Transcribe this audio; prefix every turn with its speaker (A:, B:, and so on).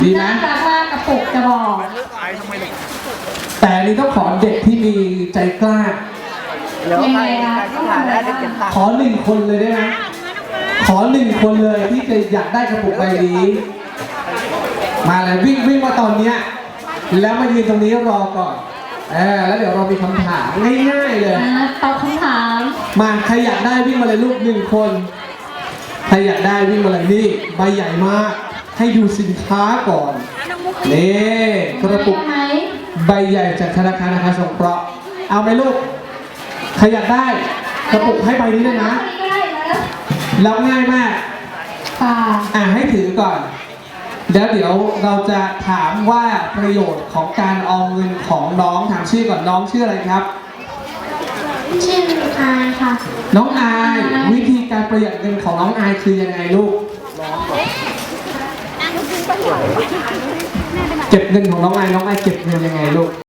A: ดีไหม
B: น่ารักมากกระปุกจะบอก
A: แต่อันนี้ต้องขอเด็กที่มีใจกล้า
B: ยังไงคะ
A: ขอ1 คนเลยได้ไหมขอ1 คนเลยที่จะอยากได้กระปุกใบนี้ มาเลยวิ่งมาตอนเนี้ยแล้วมายืนตรงนี้รอก่อนแล้วเดี๋ยวเรามีคำถามง่ายๆเลย
B: ตอบคำถาม
A: มาใครอยากได้วิ่งมาเลยลูก1 คนใครอยากได้วิ่งมาเลยนี่ใบใหญ่มากให้ดูสินค้าก่อนนี่กระปุก
B: ไหม
A: ใบใหญ่จากธนาคารอาคารสงเคราะห์เอาไหมลูกใครอยากได้กระปุกให้ใบนี้เลยนะ
B: ก็ได้แล้ว
A: แล้วง่ายมาก
B: ค่ะ
A: ให้ถือก่อนแล้วเดี๋ยวเราจะถามว่าประโยชน์ของการออมเงินของน้องถามชื่อก่อนน้องชื่ออะไรครับ
B: ชื่ออายค่ะ
A: น้องอายวิธีการประหยัดเงินของน้องอายคือยังไงลูกเก็บเงินของน้องอายเก็บเงินยังไงลูก